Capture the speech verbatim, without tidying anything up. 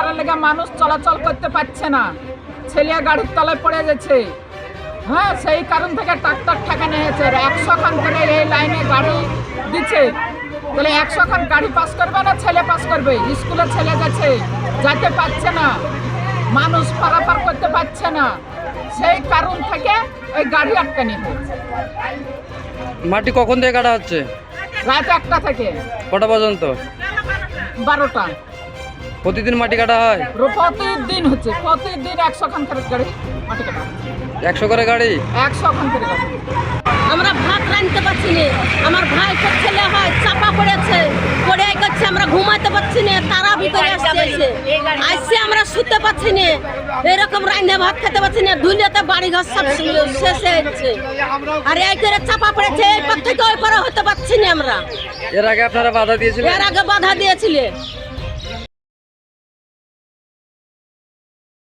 পারার লেগে মানুষ চলাচল করতে পারছে না, ছেলে গাড়ির তলায় পড়ে যাচ্ছে। হ্যাঁ, সেই কারণ থেকে ট্রাক্টর ঠেকানো হয়েছে। একশো খান করে এই লাইনে গাড়ি দিচ্ছে, তাহলে একশো খান গাড়ি পাস করবে না ছেলে পাস করবে? স্কুলে ছেলে গেছে, যেতে পারছে না, মানুষ পারাপার করতে পারছে না, সেই কারণ থেকে ওই গাড়ি আটকানি হয়েছে। মাটি কখন থেকে কাটা হচ্ছে? রাত একটা থেকে কটা পর্যন্ত? বারোটা। প্রতিদিন মাটি কাটা হয়? প্রতিদিন হচ্ছে, প্রতিদিন একশো খান করে গাড়ি মাটি কাটা, একশো করে গাড়ি, একশো খান করে গাড়ি। আমরা ভাত রাঁধতে পারছি না, আমার ভাই তো ছেলে হয় চাপা পড়েছে, পড়ে গেছে, আমরা ঘুমাতে পারছি না, তারা ভিতরে আসছে, আসছে আমরা শুতে পারছি না, এরকম রাঁধে ভাত খেতে পারছি না, ধুলিয়াতে বাড়ি ঘর সব শেষ হয়েছে, আর এই করে চাপা পড়েছে, এই পর থেকে ওই পারে হতে পারছি না আমরা। এর আগে আপনারা বাধা দিয়েছিলেন? এর আগে বাধা দিয়েছিলে।